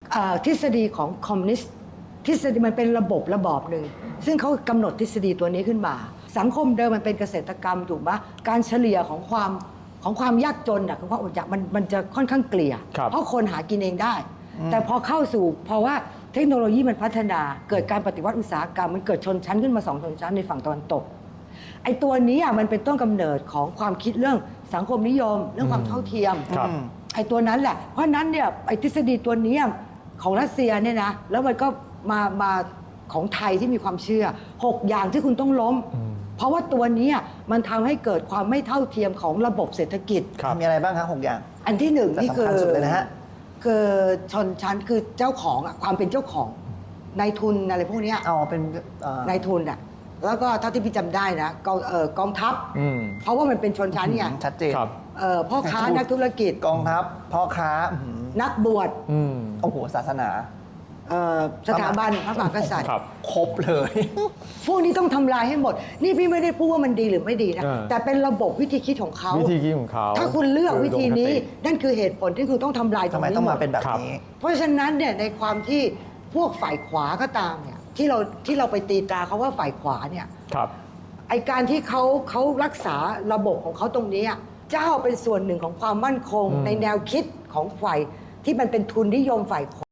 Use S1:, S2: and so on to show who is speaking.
S1: ทฤษฎีของคอมมิวนิสต์ทฤษฎีมันเป็นระบบหนึ่งซึ่งเขากำหนดทฤษฎีตัวนี้ขึ้นมาสังคมเดิมมันเป็นเกษตรกรรมถูกไหมการเฉลี่ยของความยากจนของความอดอยากมันจะค่อนข้างเกลี่ยเพราะคนหากินเองได้แต่พอเข้าสู่เพราะว่าเทคโนโลยีมันพัฒนาเกิดการปฏิวัติอุตสาหกรรมมันเกิดชนชั้นขึ้นมา2 ชนชั้นในฝั่งตะวันตกไอ้ตัวนี้มันเป็นต้นกำเนิดของความคิดเรื่องสังคมนิยมเรื่องความเท่าเทียมไอ้ตัวนั้นแหละเพราะนั้นเนี่ยไอ้ทฤษฎีตัวนี้ของรัสเซียเนี่ยนะแล้วมันก็มาของไทยที่มีความเชื่อ6อย่างที่คุณต้องล้มเพราะว่าตัวนี้มันทำให้เกิดความไม่เท่าเทียมของระบบเศรษฐกิจ
S2: มีอะไรบ้างครับ6อย่าง
S1: อันที่1นี่คือ
S2: สำคัญสุดเลยนะฮะ
S1: คือชนชั้นคือเจ้าของความเป็นเจ้าของนายทุนอะไรพวกนี้
S2: เป็น
S1: นายทุนแล้วก็เท่าที่พี่จำได้นะกองทัพเพราะว่ามันเป็นชนชั้นไง
S2: ชัดเจน
S1: พ่อค้านักธุรกิจ
S2: กองทัพพ่อค้า
S1: นักบวช
S2: โอ้โหศาสนา
S1: สถาบันพระมหากษัตริย์
S2: ครบเลย
S1: พวกนี้ต้องทำลายให้หมดนี่พี่ไม่ได้พูดว่ามันดีหรือไม่ดีนะแต่เป็นระบบวิธีคิดของเขา
S3: วิธีคิดของเขา
S1: ถ้าคุณเลือกวิธีนี้นั่นคือเหตุผลที่คุณต้องทำลายตรงนี้
S2: ทำไมต้องมาเป็นแบบนี้
S1: เพราะฉะนั้นเนี่ยในความที่พวกฝ่ายขวาก็ตามเนี่ยที่เราไปตีตราเขาว่าฝ่ายขวาเนี่ยไอการที่เขารักษาระบบของเขาตรงนี้เจ้าเป็นส่วนหนึ่งของความมั่นคงในแนวคิดของฝ่ายที่มันเป็นทุนนิยมฝ่ายขวา